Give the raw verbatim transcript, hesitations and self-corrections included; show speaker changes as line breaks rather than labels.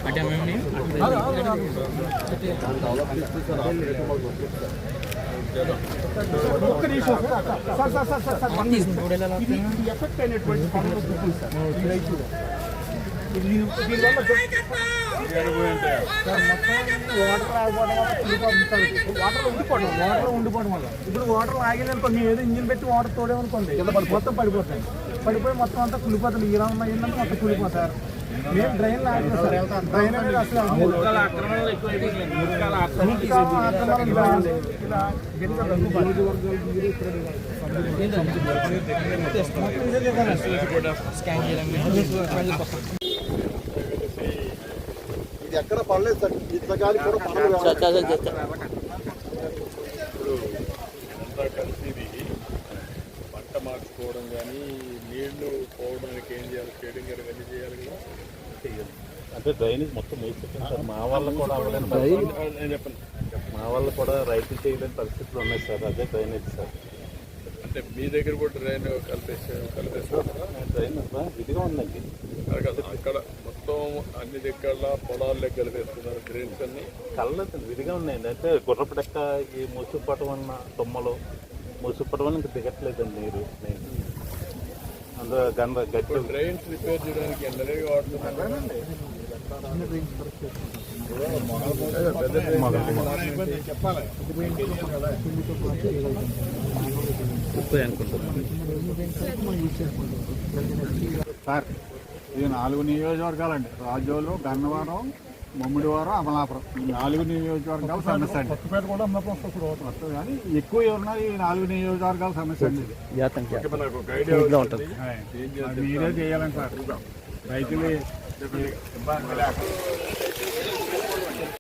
ఒక్క నిమిషం sir sir sir sir sir ఇది ఎఫెక్ట్ అయినటువంటి పనులు గుర్తుంది సార్ ఈ రైతు దీనివల్ల వాటర్ ఉండిపోవడం వాటర్ ఉండిపోవడం వల్ల ఇప్పుడు వాటర్ ఆగేదనుకోండి ఏదో ఇంజిన్ పెట్టి వాటర్ తోడేమనుకోండి మొత్తం పడిపోతాయి పడిపోయి మొత్తం అంతా కులిపోతుంది ఇలా ఉన్న ఏంటంటే మొత్తం కులిపోతారు మేము డ్రైన్ లాగాలి సార్ డ్రైన్ అనేది అసలు ఇలా
ఇది ఎక్కడ పడలేదు సార్ ఇంతకాలం కూడా
కలిసి పంట మార్చుకోవడం కానీ నీళ్లు పోవడానికి ఏం చేయాలి షేడింగ్ ఇవన్నీ చేయాలి కదా
అంటే డ్రైనేజ్ మొత్తం వేసేసాం సార్. మా వాళ్ళు కూడా నేను చెప్పండి మా వాళ్ళు కూడా రైతులు చేయలేని పరిస్థితులు ఉన్నాయి సార్. అదే డ్రైనేజ్ సార్.
అంటే మీ దగ్గర కూడా డ్రైన్ కలిపేసా కలిపేస్తారా?
డ్రైన్ ఇదిగా ఉందండి
అక్కడ మొత్తం అన్ని దగ్గర పొలాల్లో కలిపేస్తున్నారు డ్రైన్స్ అన్ని
కళ్ళదు విధిగా ఉన్నాయండి. అంటే గుర్రపు డెక్క ఈ ముసుపటం అన్న తుమ్మలు ముసుపటం అని ఇంకా దిగట్లేదండి నీరు. అందులో గంద గట్టి
డ్రైన్స్ రిపేర్ చేయడానికి ఎండలే వాడుతున్నారండి. చెప్పాలి
సార్ ఇది నాలుగు నియోజకవర్గాలండి. రాజోలు, గన్నవరం, ముమ్మిడివారం, అమలాపురం ఈ నాలుగు నియోజకవర్గాల సమస్య అండి. వస్తుంది కానీ ఎక్కువ ఎవరున్నారు ఈ నాలుగు నియోజకవర్గాల సమస్య అండి. మీరే చేయాలండి సార్. రైతులు ఇబ్బంది లేక